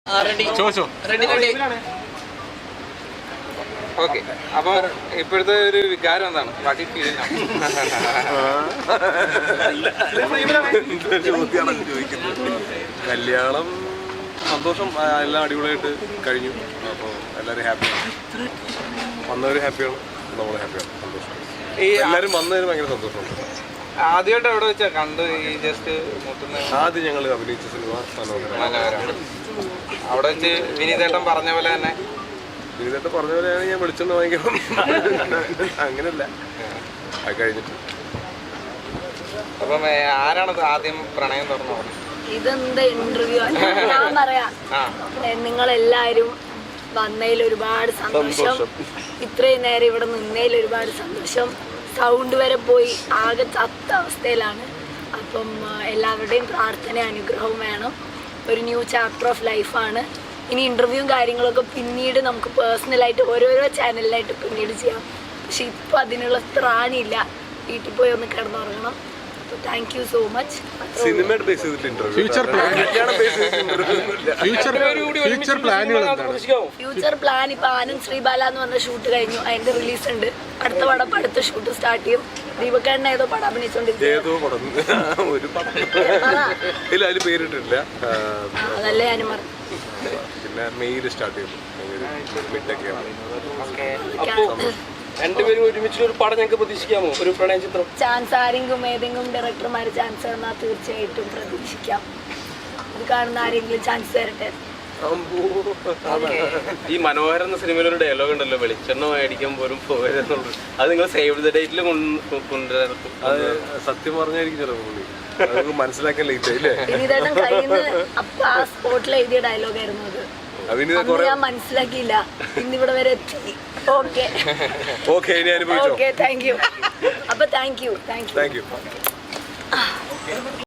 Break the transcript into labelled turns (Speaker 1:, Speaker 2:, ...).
Speaker 1: Okay, അപ്പൊ ഇപ്പോഴത്തെ ഒരു വികാരം എന്താണ്? ബാക്കി
Speaker 2: കല്യാണം സന്തോഷം, എല്ലാം അടിപൊളിയായിട്ട് കഴിഞ്ഞു. അപ്പോൾ എല്ലാവരും ഹാപ്പിയാണ്, വന്നവർ ഹാപ്പിയാണ്, നമ്മൾ ഹാപ്പിയാണ്, സന്തോഷം. എല്ലാവരും വന്നതിന് ഭയങ്കര സന്തോഷമുണ്ട്.
Speaker 1: ആദ്യമായിട്ട് എവിടെ വെച്ചാ കണ്ട് ഈ ജസ്റ്റ്
Speaker 2: ആദ്യം ഞങ്ങൾ അഭിനയിച്ച സിനിമ മനോഹരം.
Speaker 1: അവിടെ വെച്ച് വിനീതേട്ടൻ പറഞ്ഞ പോലെ തന്നെ
Speaker 2: വിനീതേട്ടൻ പറഞ്ഞ പോലെയാണ് ഞാൻ വിളിച്ചെന്ന് വാങ്ങിക്കണം. അങ്ങനെയല്ല, അത് കഴിഞ്ഞിട്ട്.
Speaker 1: അപ്പം ആരാണത് ആദ്യം പ്രണയം തുറന്നു പറഞ്ഞത്?
Speaker 3: ഇതെന്താ ഇന്റർവ്യൂ? ഞാൻ പറയാം, നിങ്ങളെല്ലാരും വന്നതിൽ ഒരുപാട് സന്തോഷം. ഇത്രയും നേരം ഇവിടെ നിന്നതിൽ ഒരുപാട് സന്തോഷം. സൗണ്ട് വരെ പോയി ആകെ ചത്ത അവസ്ഥയിലാണ്. അപ്പം എല്ലാവരുടെയും പ്രാർത്ഥന അനുഗ്രഹവും വേണം. ഒരു ന്യൂ ചാപ്റ്റർ ഓഫ് ലൈഫാണ്. ഇനി ഇൻ്റർവ്യൂവും കാര്യങ്ങളൊക്കെ പിന്നീട് നമുക്ക് പേഴ്സണലായിട്ട് ഓരോരോ ചാനലിലായിട്ട് പിന്നീട് ചെയ്യാം. പക്ഷെ ഇപ്പോൾ അതിനുള്ള ത്രാണിയില്ല. വീട്ടിൽ പോയി ഒന്ന് കിടന്നുറങ്ങണം. Thank you so much. Future plan ഇപ്പൊ ആനന്ദ് ശ്രീബാല എന്ന് പറഞ്ഞ ഷൂട്ട് കഴിഞ്ഞു, അതിന്റെ റിലീസ് ഉണ്ട്. അടുത്ത പടം അടുത്ത ഷൂട്ട് സ്റ്റാർട്ട് ചെയ്യും. ദീപക്കേട്ടൻ ഏതോ പടം
Speaker 2: അഭിനയിച്ചോണ്ടിരിക്കും,
Speaker 3: അതല്ലേ ഞാനും പറഞ്ഞു.
Speaker 2: പിന്നെ മെയിൽ സ്റ്റാർട്ട് ചെയ്യും.
Speaker 4: രണ്ടുപേരും ഒരുമിച്ച് ഒരു പടം ഞങ്ങൾക്ക് പ്രതീക്ഷിക്കാമോ? ഒരു പ്രണയ ചിത്രം
Speaker 3: ചാൻസ് ആരെങ്കിലും ഏതെങ്കിലും ഡയറക്ടർമാർ ചാൻസ് തന്നാൽ തീർച്ചയായിട്ടും പ്രതീക്ഷിക്കാം. ഇത് കാണുന്ന ആരെങ്കിലും ചാൻസ് തരട്ടെ.
Speaker 4: ഈ മനോഹരം എന്ന സിനിമയിൽ ഒരു ഡയലോഗ് ഉണ്ടല്ലോ, വെളിച്ചെണ്ണ മേടിക്കാൻ പോലും പോയതെന്നുള്ളത്. അത് നിങ്ങൾ സേവ് ദ ഡേറ്റിൽ കൊണ്ടുവരാറും.
Speaker 2: അത് സത്യം പറഞ്ഞായിരിക്കും ചിലപ്പോൾ മനസ്സിലാക്കാൻ ലേറ്റ് ആയില്ലേ?
Speaker 3: വിനീതേട്ടൻ കയ്യിൽ നിന്ന് അപ്പൊ ആ സ്പോട്ടിൽ എഴുതിയ ഡയലോഗ് ആയിരുന്നു അത്. ഞാൻ മനസ്സിലാക്കിയില്ല, ഇന്നിവിടെ വരെ എത്തി. Okay, thank you. അപ്പൊ താങ്ക് യു.